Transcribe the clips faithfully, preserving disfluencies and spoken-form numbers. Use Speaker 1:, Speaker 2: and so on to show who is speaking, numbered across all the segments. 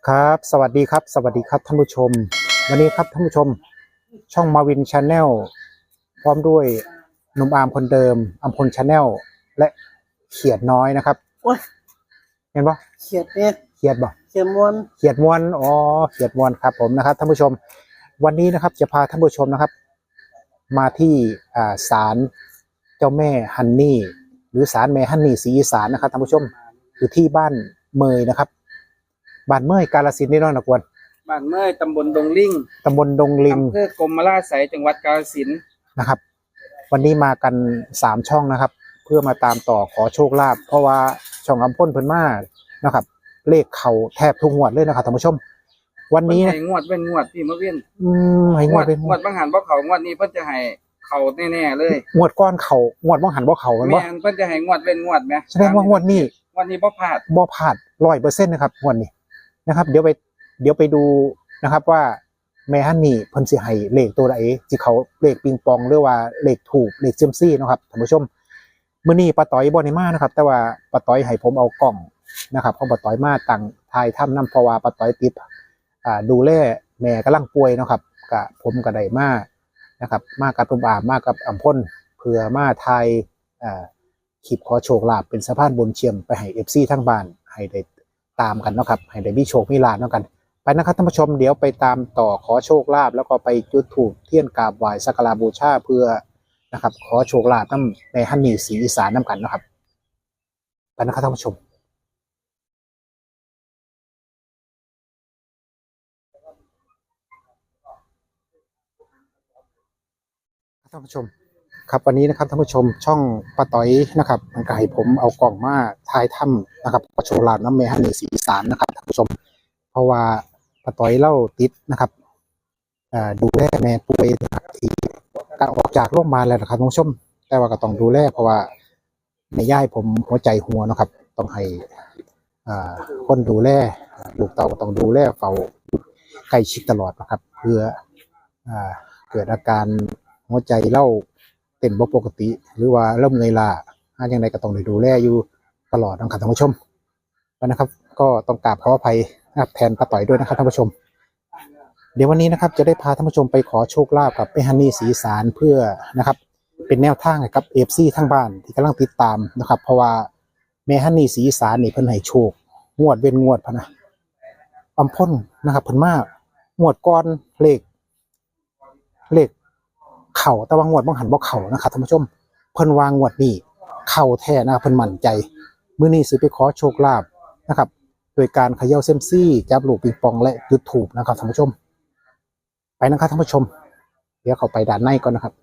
Speaker 1: ครับสวัสดีครับสวัสดีครับท่านผู้ชมวันนี้ครับท่านผู้ชมช่องมาวินชาแนลพร้อมด้วยหนุ่มอาร์มคนเดิมอัมพลชาแนลและเขียดน้อยนะครับเห็นปะ
Speaker 2: เขียดเนี่ย
Speaker 1: เขียดบ่
Speaker 2: เขียดมวน
Speaker 1: เขียดมวนอ๋อเขียดมวนครับผมนะครับท่านผู้ชมวันนี้นะครับจะพาท่านผู้ชมนะครับมาที่อ่าศาลเจ้าแม่ฮันนี่หรือศาลแม่ฮันนี่ศรีอีสานนะครับท่านผู้ชมอยู่ที่บ้านเมยนะครับบ้านเมยกาฬสินธุ์นี่น้องนะกวน
Speaker 2: บ้านเมยตำบลดงลิง
Speaker 1: ตำบลดงลิง
Speaker 2: อำเภอกรมราชสีจังหวัดกาฬสินธุ์
Speaker 1: นะครับวันนี้มากันสามช่องนะครับเพื่อมาตามต่อขอโชคลาภเพราะว่าช่องอัมพลเพิ่นมานะครับเลขเข่าแทบทุกงวดเลยนะครับท่านผู้ชมวันนี้
Speaker 2: ให้งวดเป็นงวดพี่มะเวียน
Speaker 1: อืมให้งวดเป็น
Speaker 2: งวดบางหันบ่เขางวดนี้เพิ่นจะให้เขาแน่ๆเลย
Speaker 1: งวดก้อนเข่างวดบางหันบ่เข่ามันบ่
Speaker 2: แม่นเพิ่นจะให้งวดเป็นงวดแม่
Speaker 1: แสดงว่างวดนี้
Speaker 2: งวดนี้บ่พลาด
Speaker 1: บ่พลาด ร้อยเปอร์เซ็นต์ นะครับงวดนี้นะครับเดี๋ยวไปเดี๋ยวไปดูนะครับว่าแม่ฮันนี่เพิ่นสิให้เลขตัวใดสิเขาเลขปิงปองหรือว่าเลขถูกเลขเซียมซี่นะครับท่านผู้ชมมื้อนี้ป้าต้อยบ่ได้มานะครับแต่ว่าป้าต้อยให้ผมเอากล้องนะครับของป้าต้อยมาตั้งถ่ายทำนำเพราะว่าป้าต้อยติดอ่าดูแลแม่กำลังป่วยนะครับก็ผมก็ได้มานะครับมากับตุ้มอามมากับอัมพลเพื่อมาถ่ายอ่าคลิปขอโชคลาภเป็นสะพานบุญเชื่อมไปให้ เอฟ ซี ทั้งบ้านให้ได้ตามกันนะครับให้ได้มีโชคมีลาภเนาะกันไปนะครับท่านผู้ชมเดี๋ยวไปตามต่อขอโชคลาภแล้วก็ไปจุดธูปเทียนกราบไหว้สักการะบูชาเพื่อนะครับขอโชคลาภน้ำในฮันนี่ศรีอีสานน้ำกันนะครับไปนะครับท่านผู้ชมท่านผู้ชมครับวันนี้นะครับท่านผู้ชมช่องป้าต้อยนะครับมันก็ให้ผมเอากล่องมาถ่ายถ้ำนะครับขอโชคลาภน้ำในฮันนี่ศรีอีสานนะครับท่านผู้ชมเพราะว่าป้าต้อยเล่าติดนะครับดูแลแม่ป่วยนะครับที่การออกจากโรงพยาบาลแล้วนะครับท่านผู้ชมแต่ว่าก็ต้องดูแลเพราะว่าแม่ย่ายผมหัวใจหัวนะครับต้องให้คนดูแลลูกเต่าต้องดูแลเฝ้าใกล้ชิดตลอดนะครับเพื่อเกิดอาการหัวใจเล่าเต้นบ่ปกติหรือว่าเริ่มเงยล้าอย่างไรก็ต้องดูแลอยู่ตลอดนะครับท่านผู้ชมนะครับก็ต้องกราบขออภัยนะครับแทนป้าต้อยด้วยนะครับท่านผู้ชมเดี๋ยววันนี้นะครับจะได้พาท่านผู้ชมไปขอโชคลาภกับแม่ฮันนี่ศรีอีสานเพื่อนะครับเป็นแนวทางให้กับ เอฟ ซี ทั้งบ้านที่กำลังติดตามนะครับเพราะว่าแม่ฮันนี่ศรีอีสานนี่เพิ่นให้โชคงวดเว้นงวดพะนะอัมพลนะครับเพิ่นมางวดก่อนเลขเลขเข่าแต่ว่างวดบางหันบ่เข่านะครับท่านผู้ชมเพิ่นวางงวดนี้เข่าแท้นะครับเพิ่นมั่นใจมื้อนี้สิไปขอโชคลาภนะครับโดยการเขย่าเซียมซี่จับลูกปิงปองและจุดธูปนะครับท่านผู้ชมไปนะครับท่านผู้ชมเดี๋ยวเข้าไปด้านในก่อนนะครับ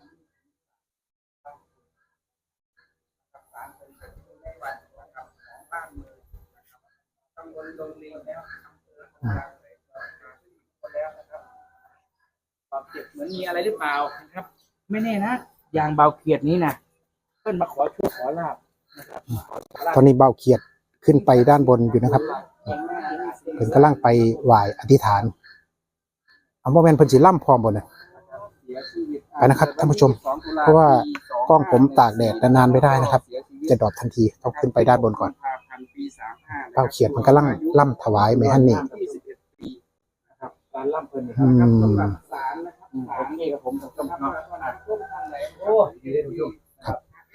Speaker 2: เจ็บเหมือนมีอะไรหรือเปล่านะครับไม่แน่นะอย่างเบาเขียดนี้นะเพิ่นมาขอโชคขอลาภนะครับ
Speaker 1: ตอนนี้เบาเขียดขึ้นไปด้านบนอยู่นะครับเพิ่นกำลังไปไหว้อธิษฐานเอาว่าแม่นเพิ่นสิล่ำพร้อมบ่เนี่ยไปนะครับท่านผู้ชมเพราะว่ากล้องผมตากแดดนานๆไม่ได้นะครับจะดรอปทันทีต้องขึ้นไปด้านบนก่อนเบาเขียดมันกำลังล่ำถวายแม่ฮันนี่
Speaker 2: การล่ำเพิ่นนะครับสำหรับศาลนะครับผมนี่กับผมผมทำโอ้ยดีเลยทุกท่านครับ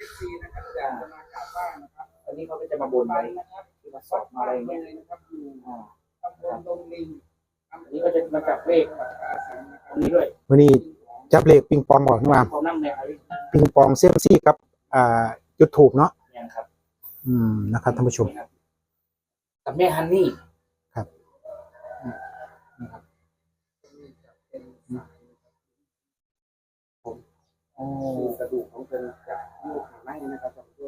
Speaker 2: อันนี้เขาก็จะมาบนไว้มาสอบมาอะไรเงี้ยนะครับตำบลดงลิงอันนี้ก็จะมาจับเลขตรงนี้ด้วย
Speaker 1: วันนี้จับเลขปิงปองก่อนนะว่าปิงปองเซียมซี่ครับอ่าจุดถูกเนาะอืมนะครับท่านผู้ชม
Speaker 2: กับแม่ฮันนี่
Speaker 1: ครับ
Speaker 2: โอ้กระดูกของเป็นจากลูกขาไม้นะครับท่านผู้ชม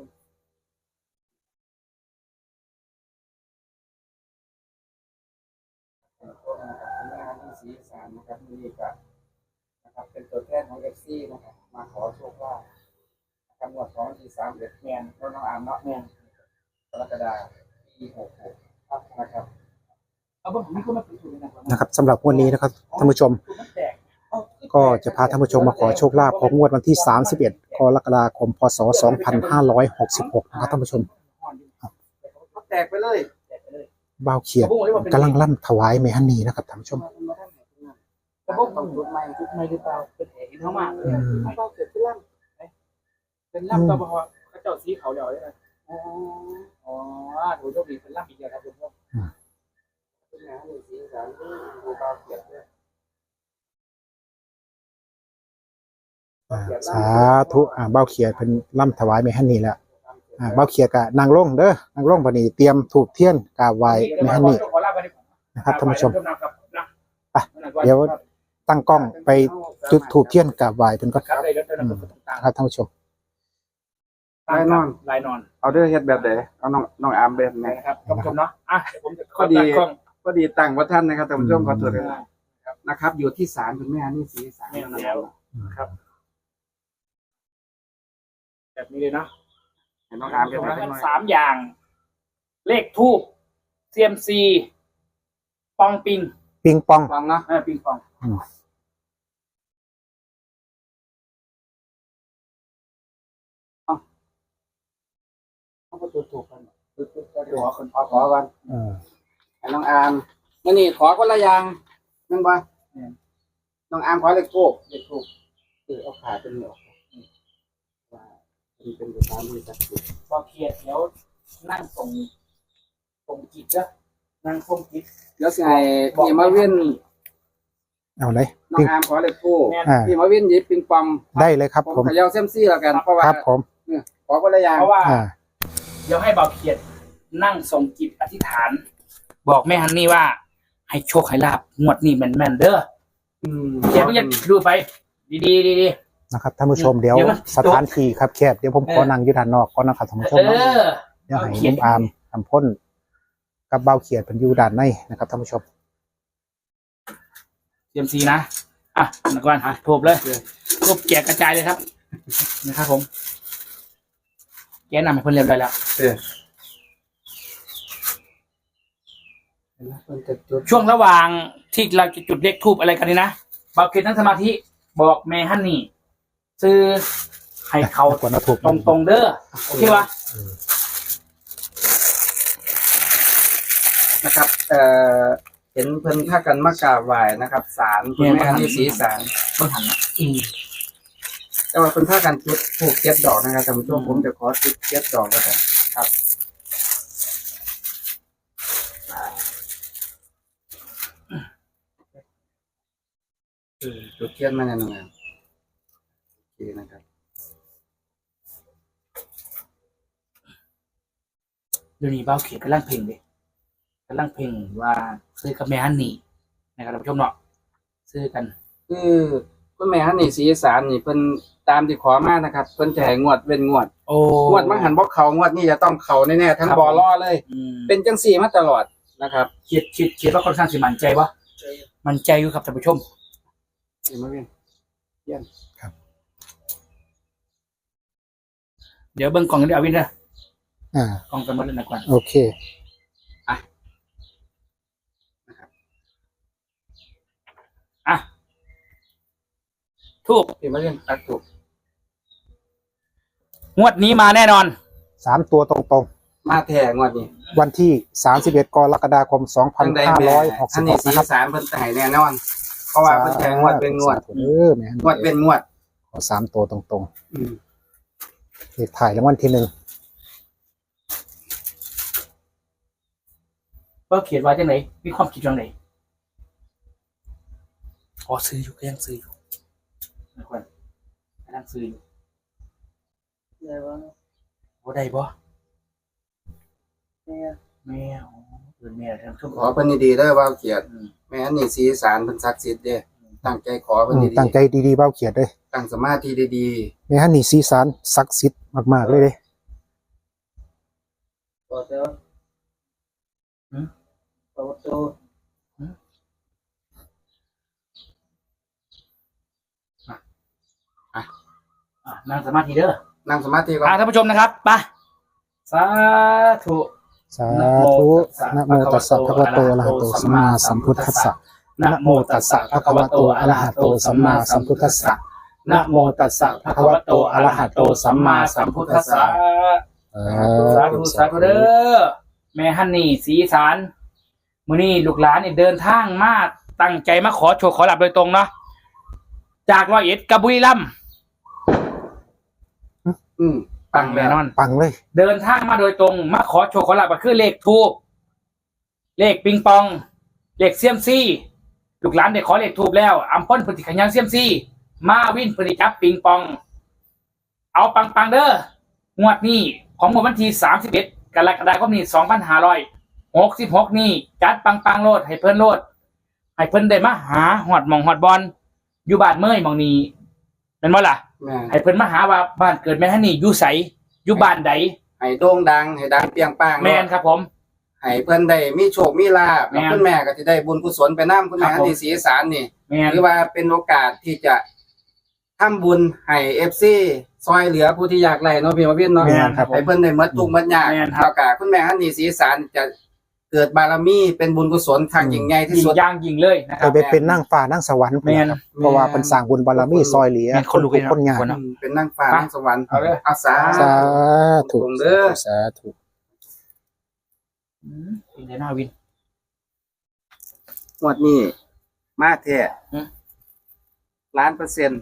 Speaker 2: สีสารนะครับนี่ก็นะครับเป็นตัวแทนของเอฟซีนะครับมาขอโชคลาภจังหวัดสองสี่สามเอ็ดแมนรถน้องอามเนาะแมนกรกฎาคมปีหกหกนะครับเอาผมมีคนมาติดอยู่นะครับ
Speaker 1: นะครับสำหรับวันนี้นะครับท่านผู้ชมก็จะพาท่านผู้ชมมาขอโชคลาภของงวดวันที่สามสิบเอ็ดกรกฎาคมพศสองพันห้าร้อยหกสิบหกนะครับท่านผู้ชม
Speaker 2: แตกไปเลย
Speaker 1: บ่าวเขียดกำลังล่ำถวายแม่ฮันนี่นะครับท่านผู้ชม
Speaker 2: แต่พวกต้องจุดใหม่จุดใหม่หรือเปล่าเป็นเหตุเข้ามาเขาเบาเกิดขึ้นล่ำเป็นล่ำตัวพอเขาเจ้าสีเขาเดียวเลยอ๋ออ๋อถูกโชคดีเป็นล่ำอีกอย่างครับทุกท่านเป็นงานหนึ่งสีสันที่ดูเบาเกิดด้วย
Speaker 1: สาธุอ่าเบ้าเขียดเป็นล่ำถวายแม่ฮันนี่แล้วอ่าเบ้าเขียดกะนางลงเด้อนางลงบัดนี้เตรียมถูกเทียนกราบไหว้แม่ฮันนี่นะครับท่านผู้ชมไปเดี๋ยวตั้งกล้องไปจุดถูกเทียนกราบไหว้เป็นก่อนครับท่านผู้ชม
Speaker 2: ลายนอน
Speaker 3: ลายนอน
Speaker 2: เอาเด้อเฮ็ดแบบไหนเอาน้องน้องอาร์มแบบไหน
Speaker 3: นะครับท่านผู้ชมเนาะอ่ะเดี๋ยวผมจะ
Speaker 2: พอดี
Speaker 3: ตั้งกล้อง
Speaker 2: พอดีตั้งว่าท่านนะครับท่านผู้ชมขอตรวจเลยนะครับ อยู่ที่ศาลคุณแม่นี่สีศาล
Speaker 3: แม่นแล้วครับ แบบนี้เลยเนาะ
Speaker 2: เห็นน้องอาร์ม
Speaker 3: ต
Speaker 2: เก็บ
Speaker 3: รง
Speaker 2: ไว้
Speaker 3: นั้น
Speaker 2: ให้หน่อย
Speaker 3: สามอย่าง เลขทูบเซียมซีปองปิง
Speaker 1: ปิงปอง
Speaker 2: ฟังเนาะ
Speaker 3: เออปิงปอง
Speaker 1: อืม
Speaker 3: เขาก็ถูกถูกกัน
Speaker 2: ขอคนขอขอกัน
Speaker 1: เออ
Speaker 2: ให้น้องอาร์มมื่อนี้ขอคนละอย่างนั่นบ่น้องอาร์มขอเลขทูบเลขทูบเออเอาขาเป็นเหนียวว่าเป็นเป็นตามที่สักดิ์สิทธิ์
Speaker 3: พอเคลียร์แล้วนั่งส่งส่งจิตจ้ะนั่งส่งจิต
Speaker 2: เดี๋ยวสิให้พี่มาวิน
Speaker 1: เอาเลย
Speaker 2: น้อ
Speaker 1: ปิ
Speaker 2: ง
Speaker 1: ง
Speaker 2: อาร์มขอเลขทูบ
Speaker 1: อ่า
Speaker 2: พี่มาวินหยิบปิงปอง
Speaker 1: ได้เลยครับ
Speaker 2: ผม
Speaker 1: ผม
Speaker 2: เขย่าเซยมซี่แล้วกันเพราะว่า
Speaker 1: ครับผม
Speaker 2: เนี่ยขอคนละอย่าง
Speaker 3: เพราะว่า
Speaker 1: อ่า
Speaker 3: เดี๋ยวให้เบาเขียดนั่งส่งจิตอธิษฐาน บอกแม่ฮันนี่ว่า ให้โชคให้ลาบงวดนี้แม่นแม่นๆเด้อ
Speaker 2: อืม
Speaker 3: เขียนเพิ่งจะดูไป ดีดีดีดี
Speaker 1: นะครับท่านผู้ชมเดี๋ยว
Speaker 3: เดี๋ยวมัน
Speaker 1: สถานที่ครับแคบเดี๋ยวผมขอนั่งอยืดด้านนอกก่อนนะครับท่านผู้ชม
Speaker 3: เอ
Speaker 1: เนาะ
Speaker 3: อ
Speaker 1: เดี๋ยวให้นุ่มอามทำพ่นกับเบ้าเขียดเป็นอยู่ด้านในนะครับท่านผู้ชม
Speaker 3: เตรียมซีนะ อ่ะนักวันอ่ะทูบเลยทูบแจกกระจายเลยครับนะครับผมแกนำให้เพิ่นเรียบร้อยแล้ว
Speaker 2: เออเห็นไหมมันจะจุด
Speaker 3: ช่วงระหว่างที่เราจะจุดเลขทูบอะไรกันนี่นะเบาเขียดนั่งสมาธิบอกแม่ฮันนี่ซื้อให้เขา
Speaker 1: กวนเอาถูก
Speaker 3: ตรงตรงๆเด้อโอเควะ
Speaker 2: นะครับเอ่อเห็นเพิ่นพากันมากราบไหว้นะครับศาลคุณแม่นี่สีศาล
Speaker 3: เพิ่งหันนะอืม
Speaker 2: แต่ว่าเพิ่นพากันจุดถูกเจ็ดดอกนะครับท่านผู้ชมผมจะขอจุดเจ็ดดอกก็ได้ครับเออจุดเทียนมาแน่นอนโอเคนะครับ
Speaker 3: เดี๋ยวนี้เบาเขียนกำลังเพลงเลยกำลังเพลงว่าซื้อกับแม่ฮันนี่นะครับท่านผู้ชมเนาะซื้อกัน
Speaker 2: คือคุณแม่ฮันนี่สีสารนี่เพิ่นตามที่ขอมานะครับเพิ่นจะให้งวดเว้นงวด
Speaker 3: โอ้
Speaker 2: งวดมังหันบ่เขางวดนี้จะต้องเขาแน่ๆทั้ง
Speaker 3: ครับ
Speaker 2: บอล่อเลย
Speaker 3: อืม
Speaker 2: เป็นจังสี่มาตลอดนะครับ
Speaker 3: คิดคิดคิดว่าค่อนข้างสิมั่นใจวะมั่นใจอยู่ครับท่านผู้ชม
Speaker 2: เห็นไหมพี่เยี่ยม
Speaker 3: เดี๋ยวเบิ่งกล่องกันเดี๋ยวเอาวินเด้อ
Speaker 1: อ่าก
Speaker 3: ล่องกันหมดเลยนะก่อน
Speaker 1: โอเค
Speaker 3: อ่ะทูบ
Speaker 2: เห็นไหมพี่ตักถูก
Speaker 3: งวดนี้มาแน่นอน
Speaker 1: สามตัวตรง
Speaker 2: มาแท้งวดนี้
Speaker 1: ๆ วันที่สามสิบเอ็ดกรกฎาคมสองพัน
Speaker 2: จังใด
Speaker 1: ห้า
Speaker 2: แม่
Speaker 1: ร้อยหก
Speaker 2: ฮั
Speaker 1: สิ
Speaker 2: น
Speaker 1: บห
Speaker 2: นี่
Speaker 1: ก
Speaker 2: สี
Speaker 1: นะครับ
Speaker 2: สารเพิ่นจะให้แน่นอน เพราะว่าเพิ่นจะให้งวดเป็นงวด
Speaker 1: เออแม่
Speaker 2: งวดเป็นงวด
Speaker 1: ขอสามตัวตรง
Speaker 2: อืม
Speaker 1: ๆเลขถ่ายรางวัลที่หนึ่ง
Speaker 3: ว่าเขียนไว้จังไหนมีความคิดจังไหนอ๋อซื้ออยู่ก็ยังซื้ออยู่นะก่อนกำลังซื้ออยู่
Speaker 2: ได้บ่
Speaker 3: โอ้ได้บ่
Speaker 2: แม่
Speaker 3: แม่โอ้เกินแม่ท่านผู้ชม
Speaker 2: ขอเพิ่นดีๆเด้อว่าเกียรติ
Speaker 3: อืม
Speaker 2: แม่ฮันนี่สีสารเพิ่นศักดิ์สิทธิ์เด้ตั้งใจขอเพิ่น
Speaker 1: อืม
Speaker 2: ดี
Speaker 1: ตั้งใจดีๆเบ้าเขียดเลย
Speaker 2: ๆตั้งสมาธิดี
Speaker 1: แม่ฮันนี่สีสารศักดิ์สิทธิ์มากๆเลยเลย
Speaker 2: ๆก็เด้อหืมก็เด้อ
Speaker 3: อ่ะนั่งสมาธิเด้อ
Speaker 2: นั่งสมาธิก่อน
Speaker 3: อ่ะท่านผู้ชมนะครับไปสาธุ
Speaker 1: สาธุนะโมตัสสะภะคะวะโตอะระหะโตสัมมาสัมพุทธัสสะนะโมตัสสะภะคะวะโตอะระหะโตสัมมาสัมพุทธัสสะนะโมตัสสะภะคะวะโตอะระหะโตสัมมาสัมพุทธัสสะ
Speaker 3: สาธุสาธุเด้อแม่ฮันนี่สีสารมื้อนี้ลูกหลานเนี่ยเดินทางมาตั้งใจมาขอโชคขอลาบโดยตรงเนาะจากร้อยเอ็ดกับบุรีรัมย์
Speaker 2: อืม
Speaker 3: ปังแน่นอน
Speaker 1: ปังเลย
Speaker 3: เดินทางมาโดยตรงมาขอโชคขอลาบก็คือเลขทูบเลขปิงปองเลขเซียมซี่ลูกหลานได้ขอเลขทูบแล้วอัมพลพฤติขยันเซียมซี่มาวินพฤติจับปิงปอง เอาปังปังๆเด้องวดนี้ของวันที่สามสิบเอ็ดกรกฎาคมนี้สองพันห้าร้อยหกสิบหกนี่จัดปังปังๆโลดให้เพิ่นโลดให้เพิ่นได้มาหาหอดหมองหอดบอลอยู่บ้านเมื่อยหมองนี้เป็นบ่ล่ะ
Speaker 2: แม่น
Speaker 3: ให้เพิ่นมาหาว่าบ้านเกิดแม่ฮันนี่อยู่ไสอยู่บ้านใด
Speaker 2: ให้โด่งดังให้ดังเปรียงป้าง
Speaker 3: แม่นครับผม
Speaker 2: ให้เพิ่นได้มีโชคมีลาภ
Speaker 3: แม่น
Speaker 2: แล้วคุณแม่ก็จะได้บุญกุศลไปนํคุณแม่
Speaker 3: ครับผม
Speaker 2: ที่ศรีอีสานนี่
Speaker 3: แม่น
Speaker 2: หรือว่าเป็นโอกาสที่จะทำบุญให้ เอฟ ซี ซอยเหลือผู้ที่ยากไร้เนาะพี่มาวินเนาะ
Speaker 3: แม่นครับผม
Speaker 2: ให้เพิ่นได้หมดทุกข์หมดยาก
Speaker 3: แม่นครับ
Speaker 2: แล้วก็คุณแม่ฮันนี่ศรีอีสานจะเกิดบารมีเป็นบุญกุศลครั้งยิ่งใหญ่ที่
Speaker 3: ยิง
Speaker 2: สุด
Speaker 3: ย่างยิงเลยนะค
Speaker 1: ไป
Speaker 3: รับ
Speaker 1: ไปเป็นนั่งฟ้านั่งสวรรค์
Speaker 3: แม่น
Speaker 1: ครับเพราะว่าเป็นสร้างบุญบารมีซอยเหลือ
Speaker 3: แม่นคนลุกเลยนะ
Speaker 1: คนงาน
Speaker 3: คน
Speaker 2: อืมเป็นนางฟ้า
Speaker 3: ไป
Speaker 2: นางสวรรค์
Speaker 3: เอาเลย
Speaker 2: อาสา
Speaker 1: สาธุ
Speaker 2: ตรงเด้อ
Speaker 1: สาธุ
Speaker 3: อืมเป็นไงหน้าวิน
Speaker 2: งวดนี้มาแท้
Speaker 3: อืม
Speaker 2: ล้านเปอร์เซ็นต์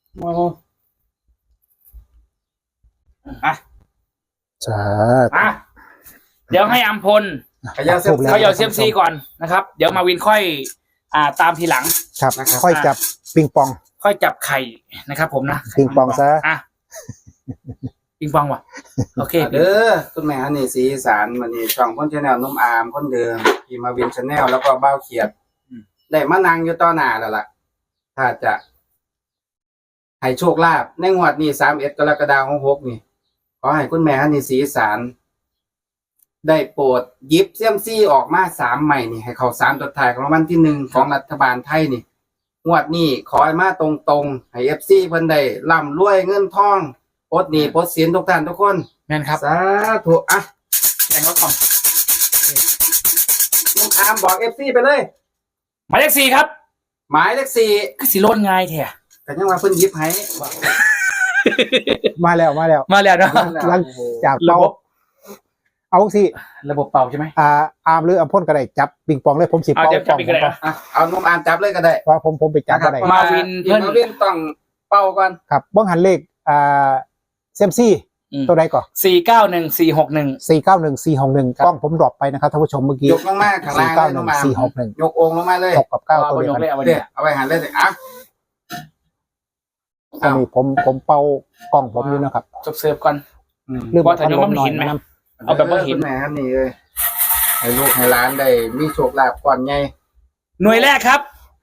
Speaker 3: อ่ะ
Speaker 1: สาธุ
Speaker 3: อ่ะเดี๋ยวให้อัมพล
Speaker 2: ขยาเสีย
Speaker 1: ถูกแล้ว
Speaker 3: เขาเหยาเซียมซีก่อนนะครับ เดี๋ยวมาวินค่อย อ่าตามทีหลัง
Speaker 1: ครับ
Speaker 2: นะครับ
Speaker 1: ค่อยจับปิงปอง
Speaker 3: ค่อยจับไข่นะครับผมนะ
Speaker 1: ปิงปองซะ
Speaker 3: อ่ะปิงปองว่ะโอเค
Speaker 2: เด้อคุณแม่ฮันนี่ศรีอีสานวันนี้ช่องคนชาแนลนุ่มอามคนเดิมพี่มาวินชาแนลแล้วก็บ้าวเขียดได้มานั่งอยู่ต่อหน้าแล้วล่ะ ถ้าจะให้โชคลาภในงวดนี้สามเอ็ดกรกฎาคมหกนี่ ขอให้คุณแม่ฮันนี่ศรีอีสานได้โปรดหยิบเซียมซี่ออกมาสามใหม่นี่ให้เขาสามตัวท้ายของรางวัลที่หนึ่งของรัฐบาลไทยนี่ งวดนี้ขอให้มาตรงๆให้เอฟซีเพิ่นได้ร่ำรวยเงินทองปลดหนี้ปลดสินทุกท่านทุกคน
Speaker 3: แม่นครับ
Speaker 2: สาธุอ่ะ
Speaker 3: แข่งรถก่อน
Speaker 2: ลุงอามบอกเอฟซีไปเลย
Speaker 3: หมายเลขสี่ครับ
Speaker 2: หมายเลขสี่
Speaker 3: คือสีโลดง่ายแท้
Speaker 2: กันยังว่าเพิ่นหยิบให้
Speaker 1: มาแล้วมาแล้ว
Speaker 3: มาแล้วเนาะ
Speaker 1: หลังจาก
Speaker 3: ระ
Speaker 1: เป่า
Speaker 3: บบ
Speaker 1: เอาสิ
Speaker 3: ระบบเป่าใช่ไหม
Speaker 1: อ่าอาร์มหรืออัมพ่นก็ได้จับปิงปองเลยผมสิ
Speaker 3: เอา
Speaker 1: เป่า
Speaker 3: เดี๋ยว
Speaker 1: ป
Speaker 3: จับ
Speaker 1: อง
Speaker 3: อีกก็ได้
Speaker 1: ผม
Speaker 2: อ่ะเอาลุงอามจับเลยก็ได้
Speaker 1: เพราะผมผมไปจับก็ได้
Speaker 3: มาวิน
Speaker 2: เพิ่
Speaker 3: เพิ่
Speaker 2: น
Speaker 3: น
Speaker 2: มาวินต้องเป้าก่อน
Speaker 1: ครับบ้องหันเลขอ่าเซมซี่
Speaker 3: อืม
Speaker 1: ตัวใดก่อน
Speaker 3: สี่เก้าหนึ่งสี่หกหนึ่ง
Speaker 1: สี่เก้าหนึ่งสี่หกหนึ่งกล้องผมดรอปไปนะครับท่านผู้ชมเมื่อกี้
Speaker 2: ยกลงมาข้างล่าง
Speaker 1: เก้า
Speaker 2: เลย
Speaker 1: ห
Speaker 2: ลุ
Speaker 1: นึ่ง
Speaker 2: งอาม
Speaker 1: สี่หกหนึ่ง
Speaker 2: ยกองค์ลงมาเลย
Speaker 1: หกกับเก้า
Speaker 3: เอา
Speaker 1: ตัว
Speaker 3: ไป
Speaker 1: เดี
Speaker 3: ย
Speaker 1: ยว
Speaker 3: ก
Speaker 1: กัน
Speaker 3: เลยเอาไป
Speaker 2: เดี๋
Speaker 3: เนี่ย ย
Speaker 2: เอาไปหันเลยสิอ่ะ
Speaker 1: อันนี้ผมผมเป่ากล้องผมอยู่นะครับ
Speaker 3: จบเสิร์ฟก่อน
Speaker 2: อืม
Speaker 1: เรื่อง
Speaker 3: ว่าแต่ยังไม่เห็นไหม
Speaker 1: อยะ
Speaker 3: เอาแบบว่าเห็น
Speaker 2: คุณแม่ฮันนี่เลยให้ลูกให้หลานได้มีโชคลาภก่อนไง
Speaker 3: หน่วยแรกครับ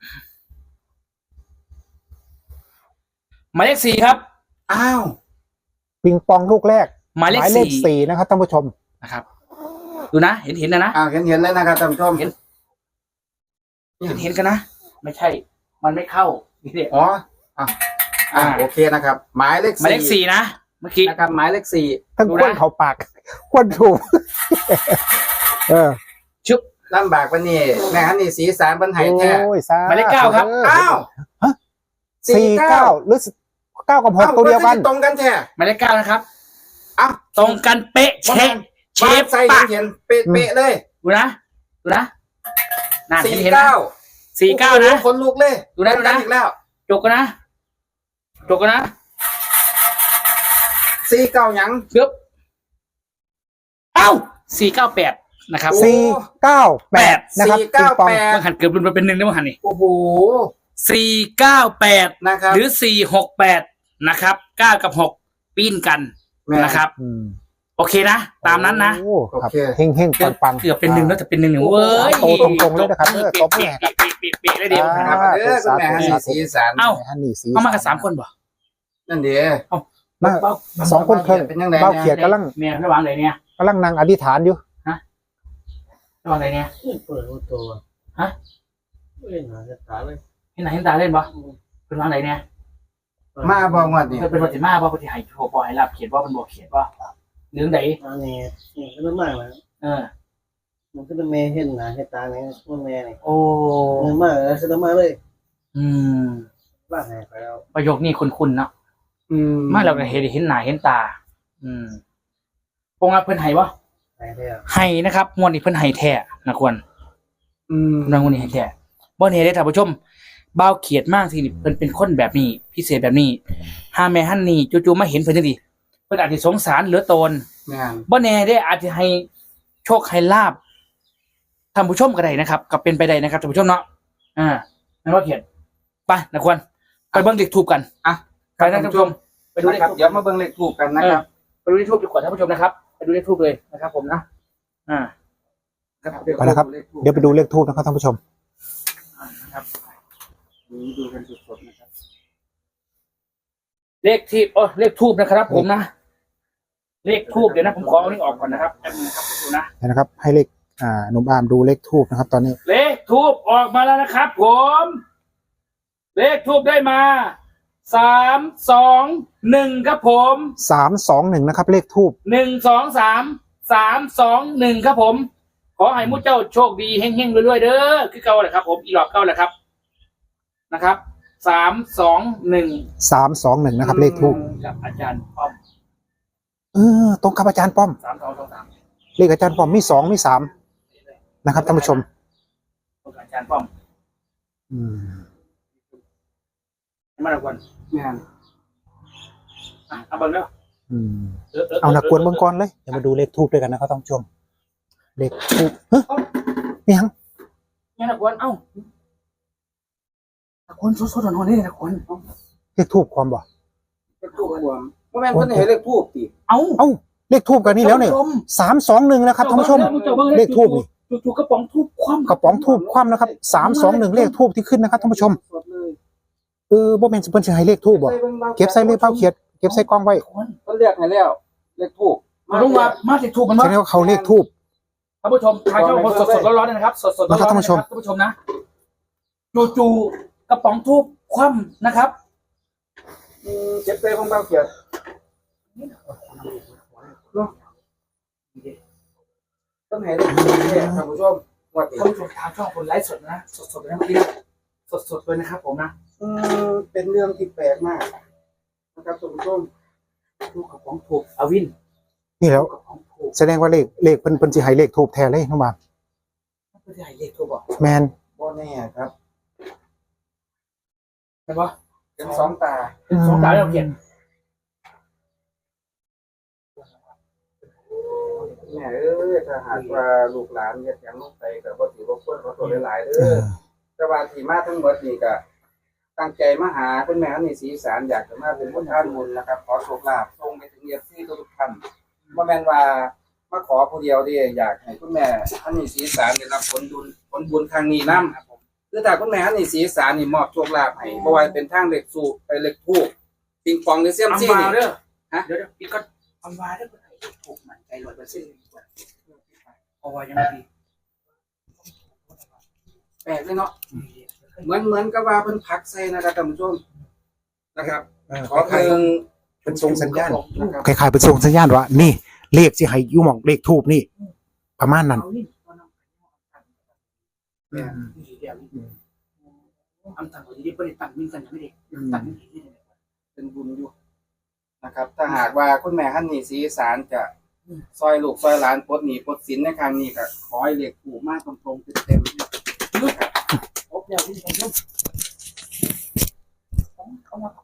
Speaker 3: หมายเลขสี่ครับ
Speaker 2: อ้าว
Speaker 1: ปิงปองลูกแรก
Speaker 3: หมายเลข
Speaker 1: เลข
Speaker 3: สี่
Speaker 1: สี่นะครับท่านผู้ชม
Speaker 3: นะครับ ดูนะ เห็นเห็นนะนะ
Speaker 2: อ้าวเห็นเห็นเลยนะครับท่านผู้ชม
Speaker 3: เห็น เห็นเห็นกันนะ ไม่ใช่ มันไม่เข้านี่เนี่ย
Speaker 2: อ๋ออ่ะอ่าโอเคนะครับ หมายเลข
Speaker 3: หมายเลขสี่นะ เมื่อกี้
Speaker 2: นะครับหมายเลขสี่
Speaker 1: ทั้ง
Speaker 3: ดู
Speaker 1: ควน
Speaker 3: นะ
Speaker 1: เขาปากควนถูก เออ
Speaker 3: ชุบ
Speaker 2: ลำบากปะนี่แม่ฮันนี่สีสารบันไห้แท้
Speaker 1: โอ้ยสา
Speaker 3: หมายเลขเก้าครับ
Speaker 2: อ้าว
Speaker 1: สี่เก้าหรือเก้ากับหกตัวเดียวกัน
Speaker 2: ตรงกันแท้
Speaker 3: หมายเลขเก้านะครับ
Speaker 2: อ้าว
Speaker 3: ตรงกันเป๊ะเชฟเช
Speaker 2: บ้า
Speaker 3: ฟ
Speaker 2: นใส่
Speaker 3: ปะ
Speaker 2: เห็นเป๊ะๆเลย
Speaker 3: ดูนะ ดูนะนั่น
Speaker 2: สี่
Speaker 3: เห็นเห็นนะ
Speaker 2: เก้า
Speaker 3: สี่เก้านะ
Speaker 2: คนลุกเลย
Speaker 3: ดูนะดูนะ
Speaker 2: อีกแล้ว
Speaker 3: จกกันนะจกกันนะ
Speaker 2: สี่เก้าหยัง
Speaker 3: เกือบเอ้าสี่เก้าแปดนะครับ
Speaker 2: โอ้
Speaker 1: สี่เก้าแปดนะครับ
Speaker 2: สี่เก้า
Speaker 1: ปิงปอง
Speaker 2: แปด
Speaker 3: มันหันเกือบรุนไปเป็นหนึ่งได้มั้งหันนี่
Speaker 2: โอ้โห
Speaker 3: สี่เก้าแปด
Speaker 2: นะครับ
Speaker 3: หรือสี่หกแปดนะครับเก้ากับหกปีนกัน
Speaker 2: แม่
Speaker 3: นะครับ
Speaker 1: อืม
Speaker 3: โอเคนะ ตามนั้นนะ
Speaker 1: โอ้ครับ
Speaker 2: โอเค
Speaker 1: เฮงเฮงปังปัง
Speaker 3: เกือบเป็นหนึ่งแล้วแต่เป็นหนึ่งหนึ่งเว้ย
Speaker 1: โตตรงๆเลยนะครับเออตบมือ
Speaker 3: เป๊ะเป๊ะเป๊ะเป๊ะเลยเดียว
Speaker 1: อ่า
Speaker 3: นะครับ
Speaker 2: เด้อคุณแม่ฮันนี่สีสาร
Speaker 3: เอ้า
Speaker 1: ฮันนี่สี
Speaker 3: เอามากันสามคนบ่
Speaker 2: นั่นเดี
Speaker 1: มาสองคนเครื่อง
Speaker 2: เป็นยังไง
Speaker 1: เบ้าเขียดกำลัง
Speaker 3: เมียระหว่างไหนเนี่ย
Speaker 1: กำลังนั่งอธิษฐานอยู่
Speaker 3: ระหว่างไหนเนี่ย
Speaker 4: เปิดประตูฮะไม่เห็นหาจะตาเลย
Speaker 3: เห็นไหนเห็นตาเล่นบ่เป็นระหว่างไหนเนี่ย
Speaker 2: มาบอกงวดนี่
Speaker 3: เป็นปฏิมาบ่ปฏิหายโชว์บ่ให้รับเขียนว่าเป็นบ่เขียนว่าเรื่องไหน
Speaker 4: อันนี้นี่ก็ต้องมากเลย
Speaker 3: เออ
Speaker 4: มันก็ต้องแม่เห็นหนาเห็นตาเนี่ยมันแม่เนี่ย
Speaker 3: โอ้
Speaker 4: เงินมากเลยจะต้องมาเลย
Speaker 3: อืม
Speaker 4: บ้านไหนไปแล้ว
Speaker 3: ประโยคนี้คุ้นๆเนาะ
Speaker 2: อืม
Speaker 3: มาแล้วก็เห็นเห็นหน้าเห็นตา อืมปงอ่ะเพิ่นให้บ่
Speaker 4: ไหนแล้ว
Speaker 3: ให้นะครับงวดนี้เพิ่นให้แท้นะควร
Speaker 2: อืม
Speaker 3: นางคนนี้ให้แท้บ่เนี่ยได้ท่านผู้ชมบ่าวเขียดมากสิเพิ่นเป็นคนแบบนี้พิเศษแบบนี้หาแม่ฮั่นนี่จู่ๆมาเห็นเพิ่นจังซี่เพิ่นอาจสิสงสารเหลือตน
Speaker 2: แม่น
Speaker 3: บ่แน่ได้อาจจะให้โชคให้ลาบท่านผู้ชมก็ได้นะครับก็เป็นไปได้นะครับท่านผู้ชมเนาะอ่านั่นว่าเขียนไปนะควรไปเบิ่งเลขทูบกัน
Speaker 2: อ่ะ
Speaker 3: ไปนะท่านผู้ชมไปดูเล
Speaker 2: นะ
Speaker 3: ข
Speaker 2: ครับ
Speaker 3: ทูบ
Speaker 2: เดี๋ยวมาเบิ่งเลขถูกกันนะครับ
Speaker 3: ไปดูเลขทูบดีกว่าท่านผู้ชมนะครับไปดูเลขทูบเลยนะครับ ผมนะอ่า
Speaker 2: ครับ
Speaker 1: ไปนะครับ เดี๋ยวไปดูเลขทูบนะครับท่านผู้ชม
Speaker 3: นะครับ
Speaker 2: ดูกันสดๆนะครับ
Speaker 3: เลขที่โอ้เลขทูบนะครับ ผมนะเลขทูบเดี๋ยวนะผมขอเอานี่ออกก่อนนะครับแป๊บนึงนะครับดูนะ
Speaker 1: เดี๋ยวนะครับ ให้เลขอ่าหนุ่มอาร์มดูเลขทูบนะครับ ตอนนี้
Speaker 3: เลขทูบออกมาแล้วนะครับ ผมเลขทูบได้มาสามสองหนึ่งครับผม
Speaker 1: สามสองหนึ่งนะครับ เลขทูบ
Speaker 3: หนึ่งสองสามสามสองหนึ่งครับผม ขอให้มุ้เจ้าโชคดีเฮงๆรวยๆเด้อคือเก่าแหละครับ ผมอีหลอกเก่าแหละครับนะครับสามสองหนึ่ง
Speaker 1: สามสองหนึ่งนะครับ เลขทูบ
Speaker 3: กับอาจารย์ป้อม
Speaker 1: เออตรงกับอาจารย์ป้อม
Speaker 3: สามสองสองสาม
Speaker 1: เลขอาจารย์ป้อมมีสองมีสามนะครับท่านผู้ชม
Speaker 3: กับอาจารย์ป้อม
Speaker 1: อืม
Speaker 3: มาละกวน
Speaker 2: แม่น
Speaker 3: อ่ะเอาเบิ่งแล้ว
Speaker 1: อืมเอานักกวนเบื้องก่อนเลยเดี๋ยวมาดูเลขทูบด้วยกันนะครับท่านผู้ชม เลขทูบเฮ้ยนี่ยัง
Speaker 3: เนี่ยนักกวนเอ้านักกวนสดๆหน่อยๆนี่นักกวน
Speaker 1: เลขทูบความบ่
Speaker 2: เลขถูกรวมบ่แม่นเพิ่นให้เลขถูกติ
Speaker 3: เอ้า
Speaker 1: เอ้าเลขทูบกันนี่แล้วเนี่ยสามสองหนึ่งนะครับท่านผู้ชม เลขทูบนี่
Speaker 3: จู่ๆกระป๋องทูบคว่ำ
Speaker 1: กระป๋องทูบคว่ำนะครับสามสองหนึ่งเลขทูบที่ขึ้นนะครับท่านผู้ชม
Speaker 2: สดเลย
Speaker 1: เออบ่แม่นสิเพิ่นสิให้เลขทูบบ่เก็บใส่เลขเป้าเขียดเก็บใส่กล้องไว้
Speaker 3: คน
Speaker 2: เพิ่นเรียกให้แล้วเลขถูก
Speaker 3: มาลงมามาเลขทูบมัน
Speaker 1: แส
Speaker 3: มา
Speaker 1: ดงว่าเขาเลขทูบ
Speaker 3: ท่านผู้ชมทางช่องสดสดๆร้อนๆเลยนะครับ สดสดๆร้อนๆ
Speaker 1: นะครับท่านผู้ชม
Speaker 3: ท่านผู้ชมนะจู่ๆกระป๋องทูบคว่ำนะครับ
Speaker 2: อืมเจ็บเตยของเบาเขียดเนาะเพิ่นให้เลขถูกเนี่ยท่านผู้ชมงวดนี้
Speaker 3: ท่านผู้ชมทางช่องคนไลฟ์สดนะสดสดๆเลยนะเมื่อกี้นะสดสดๆเลยนะครับ ผมนะ
Speaker 2: อืมเป็นเรื่องที่แปลกมากนะครับท่านผู้ชม
Speaker 3: ทูบกระป๋องทูบอวิน
Speaker 1: นี่แล้ว
Speaker 3: กระป๋องทูบ
Speaker 1: แสดงว่าเลขเลขเพิ่นเพิ่นสิให้เลขทูบแท้เลยน้องบาม
Speaker 3: ไม่ได้เลขทูบบอก
Speaker 1: แมน
Speaker 2: บ่แน่ครับ
Speaker 3: ใช่ปะ
Speaker 2: เป็นสองตา
Speaker 3: เป็นสองดาวเราเขียน
Speaker 2: แม่เอ้ยถ้าหากว่าลูกหลานเฮ็ดหยังลงไปก็บ่ถือว่าควรขอโทษหลายๆเด้
Speaker 1: เอ
Speaker 2: อ
Speaker 1: อ
Speaker 2: แต่ว่าที่มาทั้งหมดนี่ก็ตั้งใจมาหาคุณแม่ฮันนี่ศรีอีสานอยากจะมาเป็นคนท่านบุญนะครับ ขอโชคลาภส่งไปถึง เอฟ ซี ทุกๆท่านบ่แม่นว่ามาขอผู้เดียวเด้อยากให้คุณแม่ฮันนี่ศรีอีสานได้รับผลบุญผลบุญครั้งนี้นํคือถ้าคุณแม่ฮันนี่ศรีอีสานนี่มอบโชคลาภให้บ่ว่าเป็นทางเลขสูไปเลขทูปปิงปองหรือเสี่ยม
Speaker 3: อัม
Speaker 2: ซี่
Speaker 3: วา
Speaker 2: นี่
Speaker 3: เด้อ
Speaker 2: ฮะ
Speaker 3: เดี๋ยวเดี๋ยวอีกก็อัมวาเด้อคนไหนถูกมันใจร้อยเปอร์เซ็นต์ดีกว่าเพราะว่ายังไม่ดี
Speaker 2: แปลกเลยเนาะเหมือนเหมือนกับว่าเพิ่นพักใส่นะครับท่านผู้ชมนะครับ ขอเพิ่ง
Speaker 1: เป็นส่งสัญญาณ
Speaker 2: นะครับ
Speaker 1: คล้ายๆเป็นส่งสัญญาณว่านี่เลขสิให้อยู่หม่องเลขทูบนี่ ประมาณนั้น
Speaker 3: เอานี่เอาน้ำเนี่ยนี่เดี๋ยวนี่อันต่างกันที่ประเด็นต่างมีกันยังไม่ได้ต่างมีที่ไหน
Speaker 2: เป็นบุญอยู่นะครับถ้าหากว่าคุณแม่ฮันนี่ศรีอีสานจะซอยลูกซอยหลานปลดหนี้ปลดสินในครั้งนี้ก็ขอให้เลขถูกมากตรงๆเต็มๆนะครับ
Speaker 3: โอ้เดี๋ยวพี่ผมต้องเอามา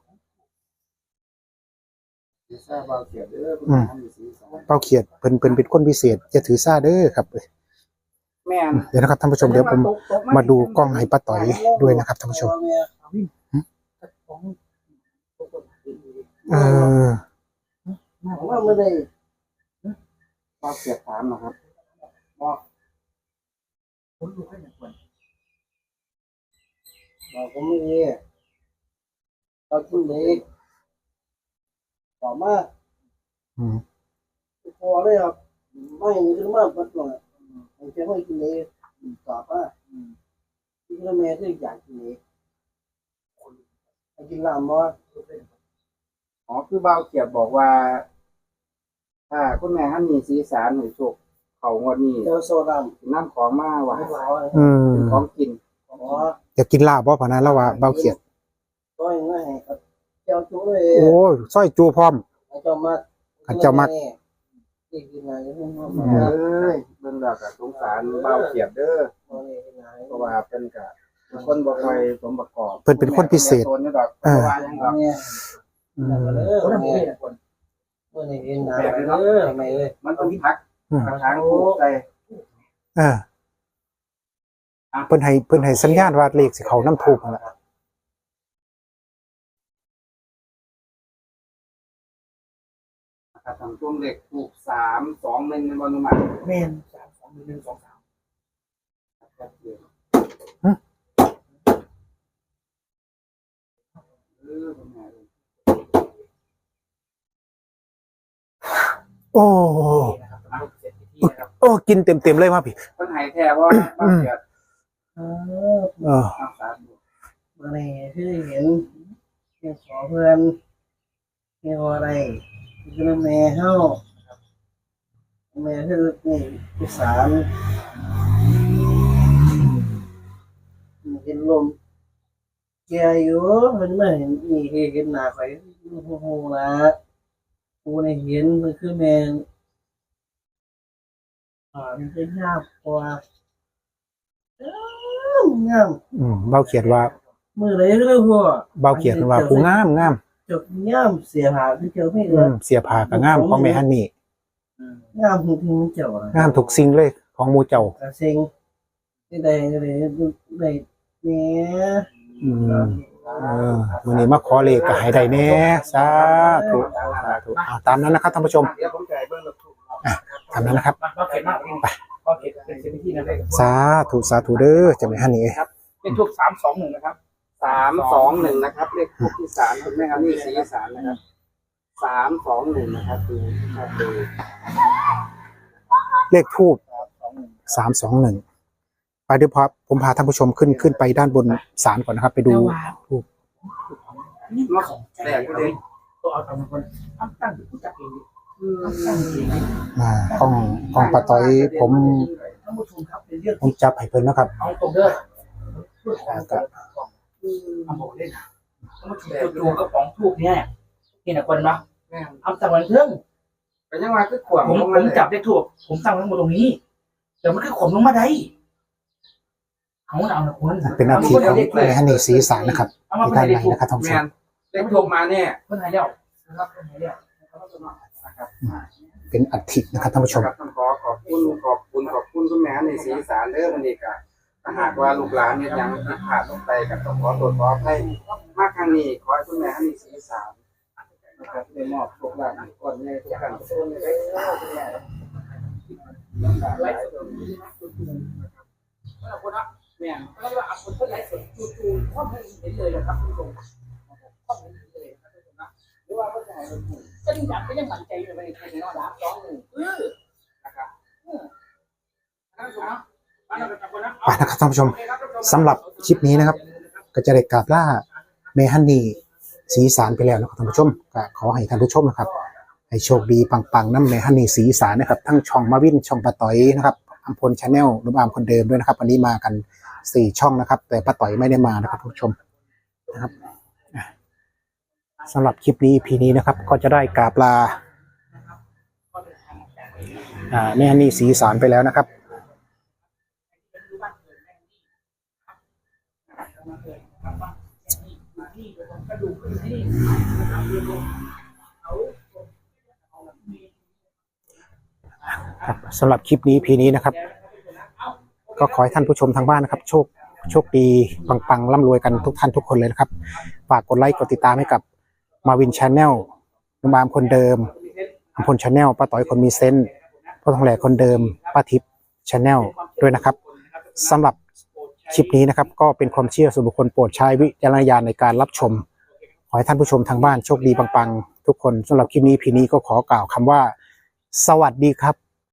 Speaker 2: สิทราบว่าเกียรติเด้อคุณแม่ฮันนี่ศรีอีสาน
Speaker 1: เป้าเขียดเพิ่นเพิ่นเป็นคนพิเศษจะถือซ่าเด้อครับ
Speaker 2: แม่น
Speaker 1: เดี๋ยวนะครับท่านผู้ชมเดี๋ยวผมมาดูกล้องให้ป้าต่อยด้วยนะครับท่านผู้ชมเออ
Speaker 2: ผมว่าไม่ได้ว่าเกียรติถามนะครับบอก
Speaker 3: ผมดูให้หน่อยก่อน
Speaker 2: บอกผมไม่มีเราขึ้นเล็กต่อมา
Speaker 1: อืม
Speaker 2: พอเลยครับไม่ขึ้นมาปัดหน่อยผมจะไม่กินเล็กต่อมาที่กระเมที่อยากกินเล็กกินลามว่าอ๋อคือบ่าวเกียรติบอกว่า ถ้าคุณแม่ฮันนี่ศรีอีสานหนูโชคเขางวดนี้เจอโซดามน้ำของมาว่า
Speaker 1: อืม
Speaker 2: ของกินอ๋อ
Speaker 1: อยากกินลาบบ่พะนะแล้วว่าเป้าเขียด
Speaker 2: ก็ยังไงครับเจ้าจู้เลย
Speaker 1: โอ้ยสร้อยจูพร้อม
Speaker 2: เจ้ามา
Speaker 1: ขันเจ้ามัก
Speaker 4: นี่คือไงก็ต้อง
Speaker 2: เอ้ยเบิ่งแล้วก็สงสารเบาเขียดเด้อ
Speaker 4: มาเลยคือไง
Speaker 2: เพราะว่าเพิ่นก็เป็นคนบ่ค่อยสมประกอบ
Speaker 1: เพิ่นเป็นคนพิเศษ
Speaker 2: ตัวนี้ดอกเพราะว่าหยังดอก
Speaker 4: เนี่ย
Speaker 1: อืม
Speaker 4: มาเลย
Speaker 3: คน
Speaker 4: มา
Speaker 3: นั้น
Speaker 4: เล
Speaker 3: เอย งคน
Speaker 4: มาเลยคือไงมาเลยมาเลย
Speaker 2: มันต้องพักกระถางปลูกใส่
Speaker 1: เออเพิ่นให้เพิ่นให้สัญญาณว่าเลขสิเขาน้ำทูบนั่นแหละ
Speaker 2: นะครับทำช่วงเด็กปลูกสามสองหนึ่งในบอลนุมา
Speaker 3: แม่นสามสองหนึ่งสองสาม
Speaker 2: เออเป็นไง
Speaker 1: โอ้
Speaker 3: เสร็จพิธีนะครับ
Speaker 1: โอ้กินเต็มๆเลยมาพี่
Speaker 2: เพิ่นให้แท้ว่าเบาเขียด
Speaker 4: เออ
Speaker 1: เออ
Speaker 2: รักษาดู
Speaker 4: มาเลยคือเห็นเห็นขอเพื่อนเห็นอะไรคือแม่เฮาแม่คือนี่อีสานเห็นลมแกอยู่มันไม่เห็นนี่เห็นหน้าข่อยโอ้โหละกูได้เห็นมันคือแม่อ่ามันคืองามกว่างาม
Speaker 1: อืมเบาเขียนว่า
Speaker 4: มือเลยเลยพ่อ
Speaker 1: เบาเขียนว่าผู้งามงาม
Speaker 4: จบงามเสียหายที่เจอไม่
Speaker 1: อื
Speaker 4: เกิน
Speaker 1: มเสียผ้าก็งามของแม่ฮันนี่
Speaker 4: งามจริงๆเจ้าง
Speaker 1: ามทุกสิ่งเลยของหมู่เจ้า
Speaker 4: กระเซ็งที่ใดเลยได้เนี่ย
Speaker 1: อืมเออวันนี้มาขอเลขก็ให้ได้แน่สาธุสาธุเอาตามนั้นนะครับท่านผู้ชม
Speaker 2: เดี๋ยวผมจ่ายเบิ่งแล้วถูก
Speaker 1: ตามนั้นนะครับ
Speaker 3: มาก็เข็ดมากไปก็เข็ดเป็นเสร็จพิธีนะครับ
Speaker 1: สาธุสาธุเด้อเจ้าแม่ฮันนี่
Speaker 3: เป็นทูบสามสองหนึ่งนะครับ
Speaker 2: สามสองหนึ่งนะครับเลขทูปที่สามคุณแม่ครับนี่สีอีสานนะครับสามสองหนึ่งนะครับดูครับดู
Speaker 1: เลขทูบสามสองหนึ่งไปเดี๋ยวพอผมพาท่านผู้ชมขึ้นขึ้นไปด้านบนศาลก่อนนะครับ ไปดูทูบ
Speaker 3: นี่
Speaker 2: เนาะ
Speaker 3: ของแจ
Speaker 2: แต
Speaker 3: ก
Speaker 2: ก
Speaker 3: ก็
Speaker 2: ก็
Speaker 3: เล
Speaker 2: เลย ย
Speaker 3: ตัวเอาทำคนตั้งตั้งผู้จัดเองตั้งเอง
Speaker 1: อ่ากล้องกล้องปะต้อยผม
Speaker 3: ท่านผู้ชมครับเป็นเรื่อง
Speaker 1: ผมจับให้เพิ่นนะครับ
Speaker 3: เอาตรงเด้อ
Speaker 1: อ่าก็
Speaker 3: เอาบอกได้นะท่านผู้ชมจูกระป๋องทูบเนี่ยนี่นะคนนะ
Speaker 2: แม่ง
Speaker 3: เอาตั้งวันเพิ่ง
Speaker 2: ก็ยังว่าคือขวาง
Speaker 3: ผม
Speaker 2: ลง
Speaker 3: ผ
Speaker 2: มาม เลย
Speaker 3: จับได้ถูกผมตั้งไว้หมดตรงนี้แต่มันคือขมลงมาได้เขาเอานะคุณ
Speaker 1: เป็นหน้าที่ของแม่ฮันนี่สีสารนะครับ
Speaker 3: เอามา
Speaker 1: ที่
Speaker 3: เป็น
Speaker 1: ด้าน
Speaker 3: อะไร
Speaker 1: ใน
Speaker 3: ถูก
Speaker 1: นะครับท่านผู้ช
Speaker 2: แม่
Speaker 1: ม
Speaker 2: นเลขทูปมาเนี่ย
Speaker 3: เพื่อนหายแล้วนะครับเพื่อนหายแล้วนะครับ
Speaker 1: เป็นอัฐินะครับท่านผู้ชม
Speaker 2: ครับต้องขอขอบคุณขอบคุณขอบคุณคุณแม่ในสีอีสานเด้อมันนี่ก็ถ้าหากว่าลูกหลานเนี่ยยังผิดพลาดลงไปก็ต้องขอตรวจขอให้มากครั้งนี้ขอให้คุณแม่ในสีอีสานนะครับได้มอบโชคลาภก่อนในทุกการทุกคนเลยคุณแม่
Speaker 3: ไลฟ์สดแล้วคนนะเนี่ยแล้วเราเอาคนที่ไลฟ์สดจู่ๆข้อมูลเห็นเลยนะครับคุณผู้ชมข้อมูลเห็นเลยนะครับคุณผู้ชมนะหรือว่าเขาจะให้เราถูกก็ยังก็ยังมั่นใจอยู่ในในนอดาสองหนึ่งเออนะครับเออท่านผู้ชมนะมาเราจะคนนะ
Speaker 1: ไปนะครับท่านผู้ชมสำหรับคลิปนี้นะครับ ก็จะได้กราบล่าแม่ฮันนี่สีสารไปแล้วนะครับท่านผู้ชมก็ขอให้ท่านผู้ชมนะครับให้โชคดีปังๆน้ำแม่ฮันนี่สีสารนะครับทั้งช่องมาวินช่องปะต่อยนะครับอัมพลชาแนลนุ่มอามคนเดิมด้วยนะครับวันนี้มากันสี่ช่องนะครับ แต่ป้าต่อยไม่ได้มานะครับท่านผู้ชมนะครับสำหรับคลิปนี้ อี พี นี้นะครับ ก็จะได้กราบลาอ่าแม่ฮันนี่สีสารไปแล้วนะครับ ครับสำหรับคลิปนี้ อี พี นี้นะครับ ก็ขอให้ท่านผู้ชมทางบ้านนะครับ โชคโชคดีปังๆร่ำรวยกันทุกท่านทุกคนเลยนะครับฝากกดไลค์กดติดตามให้กับมาวินชาแนลนุ่มอามคนเดิมอัมพลชาแนลป้าต่อยคนมีเซนต์พ่อทองแหลกคนเดิมป้าทิพย์ชาแนลด้วยนะครับสำหรับคลิปนี้นะครับ ก็เป็นความเชื่อส่วนบุคคลโปรดใช้วิจารณญาณในการรับชมขอให้ท่านผู้ชมทางบ้านโชคดีปังๆทุกคนสำหรับคลิปนี้ อี พี นี้ก็ขอกล่าวคำว่าสวัสดีครับ